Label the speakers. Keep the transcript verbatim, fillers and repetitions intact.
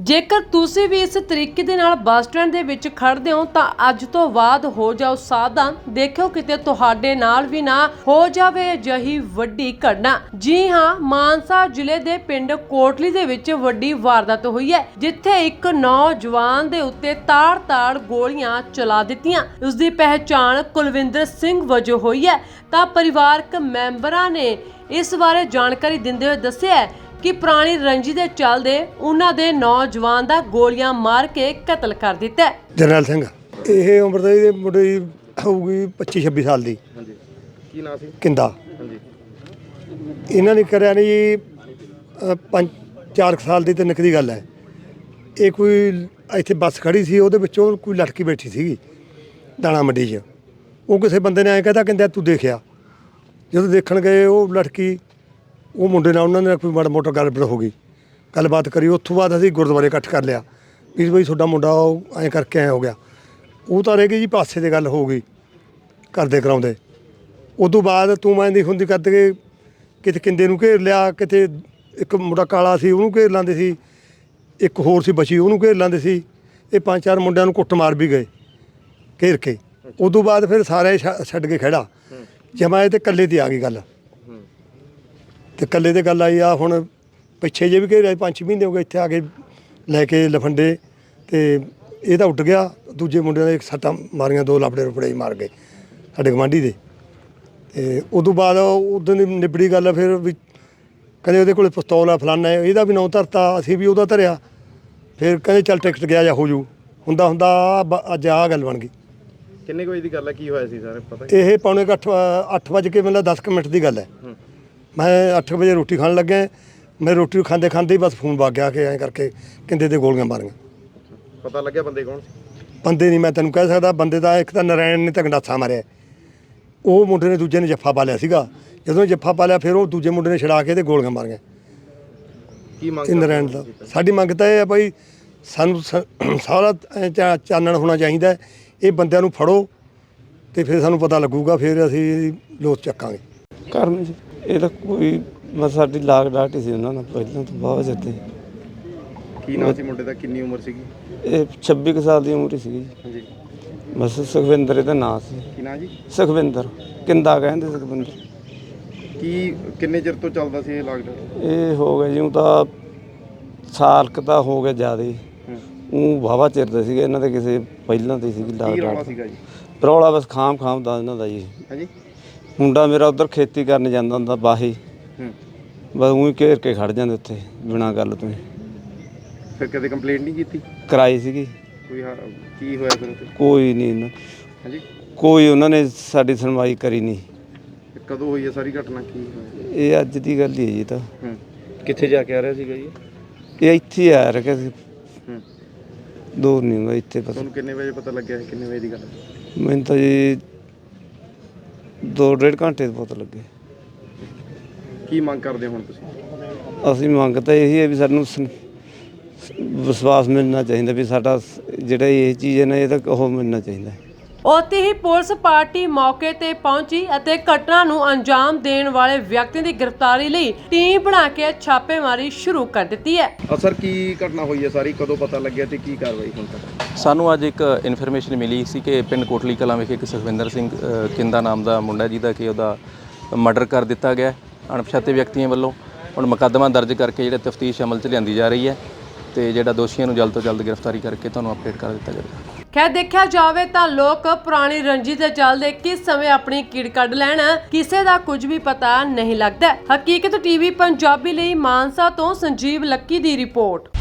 Speaker 1: ਜੇਕਰ ਤੁਸੀਂ ਵੀ ਇਸ ਤਰੀਕੇ ਦੇ ਨਾਲ ਬੱਸ ਸਟੈਂਡ ਦੇ ਵਿੱਚ ਖੜਦੇ ਹੋ ਤਾਂ ਅੱਜ ਤੋਂ ਬਾਅਦ ਹੋ ਜਾਓ ਸਾਵਧਾਨ। ਦੇਖਿਓ ਕਿਤੇ ਤੁਹਾਡੇ ਨਾਲ ਵੀ ਨਾ ਹੋ ਜਾਵੇ ਅਜਿਹੀ ਵੱਡੀ ਘਟਨਾ। ਜੀ ਹਾਂ, ਮਾਨਸਾ ਜ਼ਿਲ੍ਹੇ ਦੇ ਪਿੰਡ ਕੋਟਲੀ ਦੇ ਵਿੱਚ ਵੱਡੀ ਵਾਰਦਾਤ ਹੋਈ ਹੈ, ਜਿੱਥੇ ਇੱਕ ਨੌਜਵਾਨ ਦੇ ਉੱਤੇ ਤਾੜ-ਤਾੜ ਗੋਲੀਆਂ ਚਲਾ ਦਿੱਤੀਆਂ। ਉਸ ਦੀ ਪਹਿਚਾਣ ਕੁਲਵਿੰਦਰ ਸਿੰਘ ਵਜੋਂ ਹੋਈ ਹੈ। ਤਾਂ ਪਰਿਵਾਰਕ ਮੈਂਬਰਾਂ ਨੇ ਇਸ ਬਾਰੇ ਜਾਣਕਾਰੀ ਦਿੰਦੇ ਹੋਏ ਦੱਸਿਆ ਕਿ ਪੁਰਾਣੀ ਰੰਜੀ ਦੇ ਚੱਲਦੇ ਉਹਨਾਂ ਦੇ ਨੌਜਵਾਨ ਦਾ ਗੋਲੀਆਂ ਮਾਰ ਕੇ ਕਤਲ ਕਰ ਦਿੱਤਾ।
Speaker 2: ਜਰਨੈਲ ਸਿੰਘ ਇਹ ਉਮਰ ਦਾ ਇਹਦੇ ਮੁੰਡੇ ਦੀ ਹੋਊਗੀ ਪੱਚੀ ਛੱਬੀ ਸਾਲ ਦੀ।
Speaker 3: ਹਾਂਜੀ, ਕੀ ਨਾਂ ਸੀ?
Speaker 2: ਕਿੰਦਾ।
Speaker 3: ਹਾਂਜੀ,
Speaker 2: ਇਹਨਾਂ ਨੇ ਕਰਿਆ ਨਹੀਂ ਜੀ ਪੰਜ ਚਾਰ ਸਾਲ ਦੀ ਤੇ ਨਿੱਕ ਦੀ ਗੱਲ ਹੈ। ਇਹ ਕੋਈ ਇੱਥੇ ਬੱਸ ਖੜੀ ਸੀ, ਉਹਦੇ ਵਿੱਚੋਂ ਕੋਈ ਲੜਕੀ ਬੈਠੀ ਸੀਗੀ ਦਾਣਾ ਮੰਡੀ 'ਚ। ਉਹ ਕਿਸੇ ਬੰਦੇ ਨੇ ਐਂ ਕਹਿੰਦਾ ਕਹਿੰਦਾ ਤੂੰ ਦੇਖਿਆ। ਜਦੋਂ ਦੇਖਣ ਗਏ ਉਹ ਲੜਕੀ ਉਹ ਮੁੰਡੇ ਨਾਲ ਉਹਨਾਂ ਨੇ ਕੋਈ ਮਾੜਾ ਮੋਟਾ ਗੱਲਬਾਤ ਹੋ ਗਈ, ਗੱਲਬਾਤ ਕਰੀ। ਉੱਥੋਂ ਬਾਅਦ ਅਸੀਂ ਗੁਰਦੁਆਰੇ ਇਕੱਠ ਕਰ ਲਿਆ ਵੀ ਬਈ ਤੁਹਾਡਾ ਮੁੰਡਾ ਉਹ ਐਂ ਕਰਕੇ ਐਂ ਹੋ ਗਿਆ। ਉਹ ਤਾਂ ਰਹਿ ਗਈ ਜੀ ਪਾਸੇ ਦੀ ਗੱਲ ਹੋ ਗਈ ਕਰਦੇ ਕਰਾਉਂਦੇ। ਉਦੋਂ ਬਾਅਦ ਤੂੰ ਮੈਂ ਦੀ ਹੁੰਦੀ ਕਰਦੇ ਕਿਤੇ ਕਿੰਦੇ ਨੂੰ ਘੇਰ ਲਿਆ, ਕਿਤੇ ਇੱਕ ਮੁੰਡਾ ਕਾਲਾ ਸੀ ਉਹਨੂੰ ਘੇਰ ਲਾਂਦੇ ਸੀ, ਇੱਕ ਹੋਰ ਸੀ ਬਚੀ ਉਹਨੂੰ ਘੇਰ ਲਾਂਦੇ ਸੀ। ਇਹ ਪੰਜ ਚਾਰ ਮੁੰਡਿਆਂ ਨੂੰ ਕੁੱਟ ਮਾਰ ਵੀ ਗਏ ਘੇਰ ਕੇ। ਉਦੋਂ ਬਾਅਦ ਫਿਰ ਸਾਰੇ ਛੱਡ ਕੇ ਖੜਾ ਜਮਾਏ ਤੇ ਇਕੱਲੇ ਤੇ ਆ ਗਈ ਗੱਲ। ਤੇ ਇਕੱਲੇ ਤੇ ਗੱਲ ਆਈ ਆ ਹੁਣ ਪਿੱਛੇ ਜੇ ਵੀ ਘੇਰਿਆ ਪੰਜ ਛੇ ਮਹੀਨੇ ਹੋ ਗਏ ਇੱਥੇ ਆ ਕੇ ਲੈ ਕੇ ਲਫੰਡੇ। ਤੇ ਇਹ ਤਾਂ ਉੱਡ ਗਿਆ। ਦੂਜੇ ਮੁੰਡਿਆਂ ਦੇ ਸੱਟਾਂ ਮਾਰੀਆਂ, ਦੋ ਲਾਪੜੇ ਰੁਪੜੇ ਮਾਰ ਗਏ ਸਾਡੇ ਗਵਾਂਢੀ ਦੇ। ਤੇ ਉਦੋਂ ਬਾਅਦ ਉਦੋਂ ਦੀ ਨਿਬੜੀ ਗੱਲ ਫਿਰ ਵੀ ਕਹਿੰਦੇ ਉਹਦੇ ਕੋਲ ਪਿਸਤੌਲ ਆ ਫਲਾਨਾ, ਇਹਦਾ ਵੀ ਨਾਂ ਧਰਤਾ, ਅਸੀਂ ਵੀ ਉਹਦਾ ਧਰਿਆ। ਫਿਰ ਕਹਿੰਦੇ ਚੱਲ ਟਿਕਟ ਗਿਆ ਜਾਂ ਹੋ ਜੂ। ਹੁੰਦਾ ਹੁੰਦਾ ਅੱਜ ਆਹ ਗੱਲ ਬਣ ਗਈ।
Speaker 3: ਕਿੰਨੇ ਕੁ ਵਜੇ ਦੀ ਗੱਲ ਹੈ? ਕੀ ਹੋਇਆ ਸੀ ਸਾਰੇ ਪਤਾ?
Speaker 2: ਇਹ ਪੌਣੇ ਕੁ ਅੱਠ ਅੱਠ ਵਜੇ ਕੇ ਮਤਲਬ ਦਸ ਕੁ ਮਿੰਟ ਦੀ ਗੱਲ ਹੈ। ਮੈਂ ਅੱਠ ਵਜੇ ਰੋਟੀ ਖਾਣ ਲੱਗਿਆ। ਮੈਂ ਰੋਟੀ ਖਾਂਦੇ ਖਾਂਦੇ ਹੀ ਬਸ ਫੋਨ ਵੱਗ ਗਿਆ ਕਿ ਐਂ ਕਰਕੇ ਕਹਿੰਦੇ ਤੇ ਗੋਲੀਆਂ ਮਾਰੀਆਂ।
Speaker 3: ਪਤਾ ਲੱਗਿਆ ਬੰਦੇ ਕੌਣ ਸੀ?
Speaker 2: ਬੰਦੇ ਨਹੀਂ ਮੈਂ ਤੈਨੂੰ ਕਹਿ ਸਕਦਾ। ਬੰਦੇ ਦਾ ਇੱਕ ਤਾਂ ਨਰਾਇਣ ਨੇ ਤਾਂ ਗੰਡਾਸਾ ਮਾਰਿਆ, ਉਹ ਮੁੰਡੇ ਨੇ ਦੂਜੇ ਨੇ ਜੱਫਾ ਪਾ ਲਿਆ ਸੀਗਾ। ਜਦੋਂ ਜੱਫਾ ਪਾ ਲਿਆ ਫਿਰ ਉਹ ਦੂਜੇ ਮੁੰਡੇ ਨੇ ਛੜਾ ਕੇ ਤੇ ਗੋਲੀਆਂ ਮਾਰੀਆਂ।
Speaker 3: ਕੀ ਮੰਗ?
Speaker 2: ਨਰਾਇਣ ਦਾ ਸਾਡੀ ਮੰਗ ਤਾਂ ਇਹ ਹੈ ਭਾਈ ਸਾਨੂੰ ਸਾਰਾ ਚਾਨਣ ਹੋਣਾ ਚਾਹੀਦਾ। ਇਹ ਬੰਦਿਆਂ ਨੂੰ ਫੜੋ ਤੇ ਫਿਰ ਸਾਨੂੰ ਪਤਾ ਲੱਗੂਗਾ, ਫਿਰ ਅਸੀਂ ਲੋਸ ਚੱਕਾਂਗੇ।
Speaker 4: ਕਰਨ ਜੀ ਇਹ ਤਾਂ ਕੋਈ ਬਸ ਸਾਡੀ ਲਾਗ ਡਾਟ ਹੀ ਸੀ ਉਹਨਾਂ ਨਾਲ ਪਹਿਲਾਂ ਤੋਂ ਬਹੁਤ ਜਿੱਤੇ।
Speaker 3: ਕੀ ਨਾਂ ਸੀ ਮੁੰਡੇ ਦਾ? ਕਿੰਨੀ ਉਮਰ ਸੀਗੀ?
Speaker 4: ਇਹ ਛੱਬੀ ਕੁ ਸਾਲ ਦੀ ਉਮਰ ਹੀ ਸੀਗੀ।
Speaker 3: ਹਾਂਜੀ,
Speaker 4: ਬਸ ਸੁਖਵਿੰਦਰ ਇਹਦਾ ਨਾਂ ਸੀ।
Speaker 3: ਕੀ ਨਾਂ ਜੀ?
Speaker 4: ਸੁਖਵਿੰਦਰ ਕਿੰਦਾ ਕਹਿੰਦੇ ਸੁਖਵਿੰਦਰ।
Speaker 3: ਕੀ ਕਿੰਨੇ ਚਿਰ ਤੋਂ ਚੱਲਦਾ ਸੀ ਇਹ ਲਾਕਡਾਊਨ?
Speaker 4: ਇਹ ਹੋ ਗਿਆ ਜਿਉਂ ਤਾਂ ਸਾਲ ਕੁ ਤਾਂ ਹੋ ਗਿਆ ਜ਼ਿਆਦਾ ਹੀ। ਉਹ ਵਾਹਵਾ ਚਿਰ ਦਾ ਸੀਗਾ ਇਹਨਾਂ ਦੇ ਕਿਸੇ ਪਹਿਲਾਂ ਤੇ ਸੀਗੀ ਲਾਗ
Speaker 3: ਕੀ ਰੌਲਾ
Speaker 4: ਡਾਟ।
Speaker 3: ਸੀਗਾ ਜੀ?
Speaker 4: ਰੌਲਾ ਬਸ ਖਾਮ ਖਾਮ ਦਾ ਇਹਨਾਂ ਦਾ ਜੀ।
Speaker 3: ਹਾਂਜੀ,
Speaker 4: ਮੁੰਡਾ ਮੇਰਾ ਉੱਧਰ ਖੇਤੀ ਕਰਨ ਜਾਂਦਾ ਹੁੰਦਾ ਬਾਹੀ,
Speaker 3: ਹੂੰ,
Speaker 4: ਬਸ ਉਹੀ ਘੇਰ ਕੇ ਖੜ ਜਾਂਦੇ ਉੱਥੇ ਬਿਨਾਂ ਗੱਲ ਤੋਂ।
Speaker 3: ਫਿਰ ਕਦੇ ਕੰਪਲੇਂਟ ਨਹੀਂ ਕੀਤੀ?
Speaker 4: ਕਰਾਈ ਸੀਗੀ,
Speaker 3: ਕੋਈ ਹਾਂ ਕੀ ਹੋਇਆ ਫਿਰ ਉੱਥੇ?
Speaker 4: ਕੋਈ ਨਹੀਂ ਇਹਨਾਂ
Speaker 3: ਹਾਂਜੀ,
Speaker 4: ਕੋਈ ਉਹਨਾਂ ਨੇ ਸਾਡੀ ਸੁਣਵਾਈ ਕਰੀ ਨਹੀਂ।
Speaker 3: ਤੇ ਕਦੋਂ ਹੋਈ ਹੈ ਸਾਰੀ ਘਟਨਾ? ਕੀ ਹੋਇਆ?
Speaker 4: ਇਹ ਅੱਜ ਦੀ ਗੱਲ ਹੀ ਹੈ ਜੀ। ਤਾਂ
Speaker 3: ਹੂੰ, ਕਿੱਥੇ ਜਾ ਕੇ ਆ ਰਿਹਾ ਸੀਗਾ ਜੀ?
Speaker 4: ਇਹ ਇੱਥੇ ਆ ਰਿਹਾ ਸੀ,
Speaker 3: ਹੂੰ,
Speaker 4: ਦੂਰ ਨਹੀਂ ਹੁੰਦਾ ਇੱਥੇ। ਪਤਾ
Speaker 3: ਤੁਹਾਨੂੰ ਕਿੰਨੇ ਵਜੇ ਪਤਾ ਲੱਗਿਆ? ਕਿੰਨੇ ਵਜੇ ਦੀ ਗੱਲ ਹੈ?
Speaker 4: ਮੈਨੂੰ ਤਾਂ ਜੀ ਦੋ ਡੇਢ ਘੰਟੇ ਤੋਂ ਪਤਾ ਲੱਗੇ।
Speaker 3: ਕੀ ਮੰਗ ਕਰਦੇ ਹੁਣ ਤੁਸੀਂ?
Speaker 4: ਅਸੀਂ ਮੰਗ ਤਾਂ ਇਹੀ ਹੈ ਵੀ ਸਾਨੂੰ ਸ- ਵਿਸ਼ਵਾਸ ਮਿਲਣਾ ਚਾਹੀਦਾ ਵੀ ਸਾਡਾ ਜਿਹੜਾ ਇਹ ਚੀਜ਼ ਹੈ ਨਾ ਇਹ ਤਾਂ ਉਹ ਮਿਲਣਾ ਚਾਹੀਦਾ।
Speaker 1: ਉੱਥੇ ਹੀ ਪੁਲਿਸ ਪਾਰਟੀ ਮੌਕੇ ਤੇ ਪਹੁੰਚੀ ਅਤੇ ਘਟਨਾ ਨੂੰ ਅੰਜਾਮ ਦੇਣ ਵਾਲੇ ਵਿਅਕਤੀ ਦੀ ਗ੍ਰਿਫਤਾਰੀ ਲਈ ਟੀਮ ਬਣਾ ਕੇ ਛਾਪੇਮਾਰੀ ਸ਼ੁਰੂ ਕਰ ਦਿੱਤੀ ਹੈ।
Speaker 3: ਅਸਰ ਕੀ ਘਟਨਾ ਹੋਈ ਹੈ ਸਾਰੀ? ਕਦੋਂ ਪਤਾ ਲੱਗਿਆ ਤੇ ਕੀ ਕਾਰਵਾਈ ਹੁਣ ਤੱਕ?
Speaker 5: ਸਾਨੂੰ ਅੱਜ ਇੱਕ ਇਨਫੋਰਮੇਸ਼ਨ ਮਿਲੀ ਸੀ ਕਿ ਪਿੰਡ ਕੋਟਲੀ ਕਲਾਂ ਵਿਖੇ ਇੱਕ ਸੁਖਵਿੰਦਰ ਸਿੰਘ ਅ, ਕਿੰਦਾ ਨਾਮ ਦਾ ਮੁੰਡਾ ਜਿਹਦਾ ਕਿ ਉਹਦਾ ਮਰਡਰ ਕਰ ਦਿੱਤਾ ਗਿਆ ਅਣਪਛਾਤੇ ਵਿਅਕਤੀਆਂ ਵੱਲੋਂ। ਹੁਣ ਮੁਕੱਦਮਾ ਦਰਜ ਕਰਕੇ ਜਿਹੜਾ ਤਫਤੀਸ਼ ਅਮਲ 'ਚ ਲਿਆਂਦੀ ਜਾ ਰਹੀ ਹੈ ਤੇ ਜਿਹੜਾ ਦੋਸ਼ੀਆਂ ਨੂੰ ਜਲਦ ਤੋਂ ਜਲਦ ਗ੍ਰਿਫਤਾਰੀ ਕਰਕੇ ਤੁਹਾਨੂੰ ਅਪਡੇਟ ਕਰ ਦਿੱਤਾ ਜਾਵੇਗਾ।
Speaker 1: ਖੈਰ ਦੇਖਿਆ ਜਾਵੇ ਤਾਂ ਲੋਕ ਪੁਰਾਣੀ ਰੰਜੀ ਦੇ ਚੱਲਦੇ ਕਿਸ ਸਮੇਂ ਆਪਣੀ ਕੀੜ ਕੱਢ ਲੈਣ ਕਿਸੇ ਦਾ ਕੁਝ ਵੀ ਪਤਾ ਨਹੀਂ ਲੱਗਦਾ। ਹਕੀਕਤ ਟੀਵੀ ਪੰਜਾਬੀ ਲਈ ਮਾਨਸਾ ਤੋਂ ਸੰਜੀਵ ਲੱਕੀ ਦੀ ਰਿਪੋਰਟ।